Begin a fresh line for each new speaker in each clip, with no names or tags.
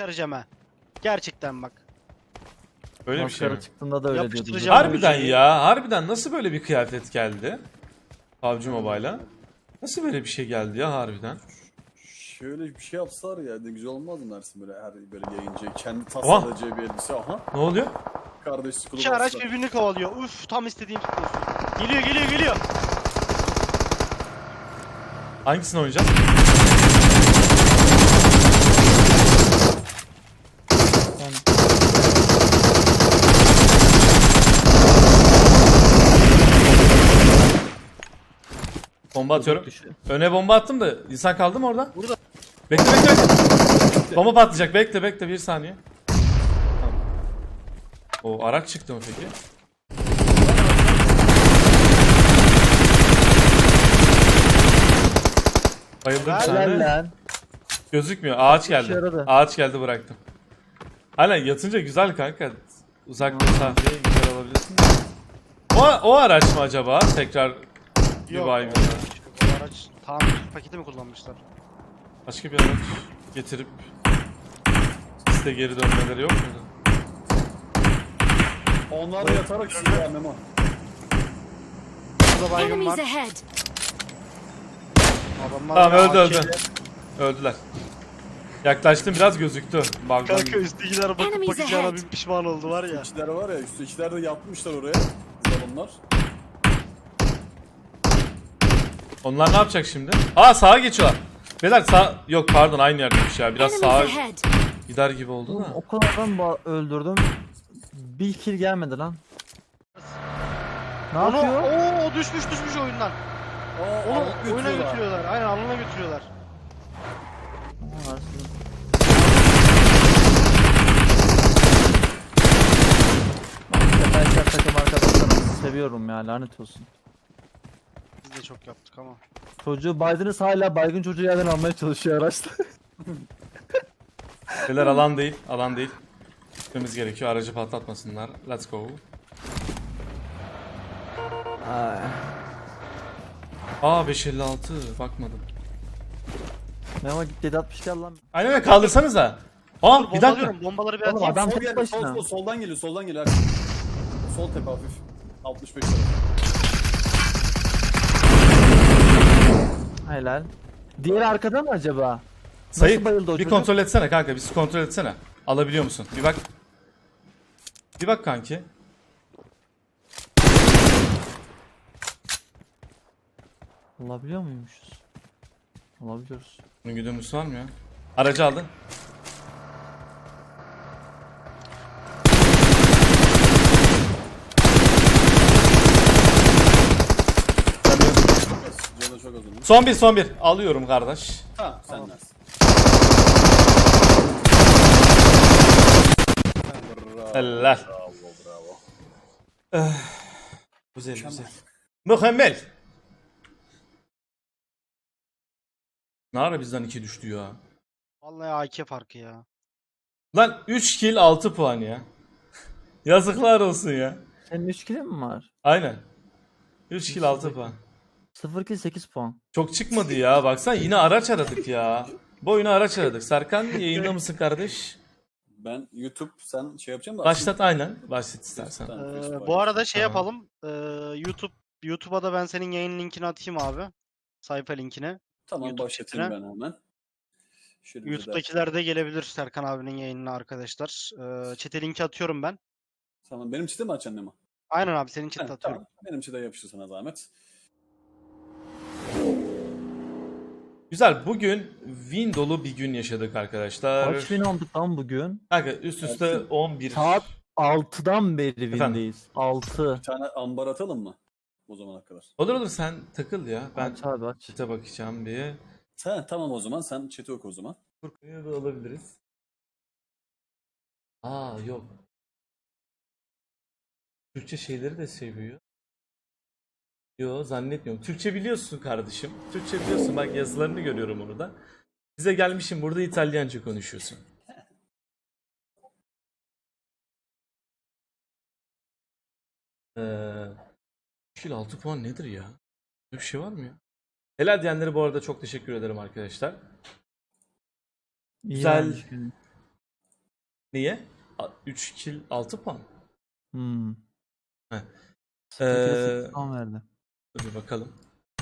göstereceğim ha. Gerçekten bak.
Öyle bir şey mi?
Maskara çıktığında da öyle diyordu.
Yapıştıracağım.
Harbiden ya. Harbiden nasıl böyle bir kıyafet geldi? PUBG Mobile'a. Nasıl böyle bir şey geldi ya harbiden?
Şöyle bir şey yapsalar ya ne güzel olmaz mı dersin böyle her böyle yayıncı kendi
Oha!
tasarlayacağı bir elbise aha
Ne oluyor?
kardeş skulu
İki araç
bastılar.
birbirini kovalıyor. Uf tam istediğim futbolcu. Geliyor geliyor geliyor.
Hangisini oynayacağız? Bomba atıyorum. Öne bomba attım da insan kaldı mı orada?
Burada.
Bekle bekle bekle. Bomba patlayacak. Bekle bekle bir saniye. Tamam. O araç çıktı mı peki? Bayıldım bir
Helal
tane.
Helal lan.
Gözükmüyor. Ağaç
İşe
geldi.
yaradı.
Ağaç geldi bıraktım. Hala yatınca güzel kanka. Uzak mesafeye güzel alabilirsin. O araç mı acaba? Tekrar bir
Yok.
baygın.
Bu araç tamir paketi mi kullanmışlar?
Başka bir araç getirip site geri dönmeleri yok muydu?
Onlar da yatarak silah Memo.
Burada baygın
Enemies
var.
ahead!
Adamlar
Tamam öldü
AK 'le.
öldü. Öldüler. Yaklaştım biraz gözüktü. Balkon.
Kanka üsttekiler bakıp
Enemies
bakacağına
ahead.
bir pişman oldu var ya.
İçler var ya üstü içler de yapmışlar oraya. Onlar.
Onlar ne yapacak şimdi? Aa sağa geçiyorlar. Beyler sağ... Yok pardon aynı yerdeymiş ya. Biraz sağa
Enemies ahead!
gider gibi oldu
Oğlum,
da.
o kadar adam öldürdüm. Bir kill gelmedi lan. Ne
Onu,
yapıyor?
o düşmüş oyundan.
Aa,
Onu
alıp
oyuna
götürüyorlar.
götürüyorlar. Aynen alına götürüyorlar.
Aa, aslında. Ben takım arkadaşlarımı seviyorum ya, lanet olsun.
Biz de çok yaptık ama.
Çocuğu baydınız, hala baygın çocuğu yerden almaya çalışıyor araçta.
Beyler alan değil. Alan değil. Gitmemiz gerekiyor. Aracı patlatmasınlar. Let's go.
Ay.
Aa 556. Bakmadım.
Memo git 760 gel lan.
Aynen öyle kaldırsanıza. Aa bir dakika.
Bombalıyorum. Bombaları bir
Oğlum,
atayım.
adam
Sol
tek
geldi,
başına.
soldan geliyor soldan geliyor. Sol tepe hafif. 65 tarafı.
Helal. Diğeri arkada mı acaba?
Sayık
bayıldı o
bir
çocuk?
kontrol etsene kanka. Bir kontrol etsene. Alabiliyor musun? Bir bak. Bir bak kanki.
Alabiliyor muymuşuz? Alabiliyoruz.
Bunun güdümlüsü var mı ya? Aracı aldın.
Canı çok az onun.
Son bir. Alıyorum kardeş.
Ha sen dersin. Bravo.
Helal.
Bravo.
Güzel güzel. Mükemmel. Ne ara bizden 2 düştü ya?
Vallahi AK farkı ya.
Lan 3 kill 6 puan ya. Yazıklar olsun ya.
Senin 3 kill'in mi var?
Aynen. 3 kill 6 puan.
0 kill 8 puan.
Çok çıkmadı ya. Baksana yine araç aradık ya. Bu oyunu araç aradık. Serkan yayında mısın kardeş?
Ben YouTube sen şey yapacağım da.
Başlat aynen. Başlat istersen.
Bu arada şey
Tamam.
yapalım. YouTube'a da ben senin yayın linkini atayım abi. Sayfa linkini.
Tamam
YouTube
başlatayım
chatine.
ben hemen. Şöyle bir de-
YouTube'dakiler de gelebilir Serkan abinin yayınına arkadaşlar. Chat'e linki atıyorum ben.
Tamam benim çite mi açacaksın Nema?
Aynen abi senin
Ha,
chat'e atıyorum.
tamam. Benim çite yapıştır sana zahmet.
Güzel. Bugün win dolu bir gün yaşadık arkadaşlar.
Kaç win aldık lan bugün?
Kanka üst üste 11.
Saat 6'dan beri win'deyiz. 6.
Bir tane ambar atalım mı? O zamana kadar.
Olur olur sen takıl ya. Ben
Aç abi aç.
chat'e bakacağım bir.
Ha, tamam o zaman sen chat'i oku o zaman.
Furkan'ı da alabiliriz. Aa yok. Türkçe şeyleri de seviyor. Yo zannetmiyorum. Türkçe biliyorsun kardeşim. Türkçe biliyorsun. Bak yazılarını görüyorum onu da. Bize gelmişim burada İtalyanca konuşuyorsun. Eee 6 puan nedir ya? Böyle bir şey var mı ya? Helal diyenlere bu arada çok teşekkür ederim arkadaşlar.
İyi
Güzel.
olmuş günün.
Niye? 3 kill 6 puan.
Hmm.
Heh.
Skill'e 8 puan verdi.
Dur bir bakalım.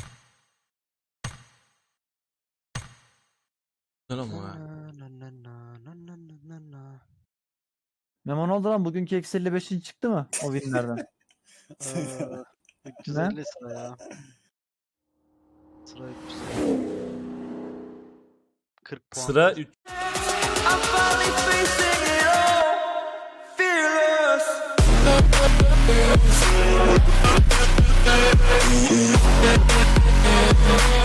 Güzel ama ha.
Memo ne oldu lan? Bugünkü eksi 55'in çıktı mı o winlerden?
350 sıra ya. Sıra 350. 40 puan.
Sıra 3.
I'm finally facing it all. Fearless.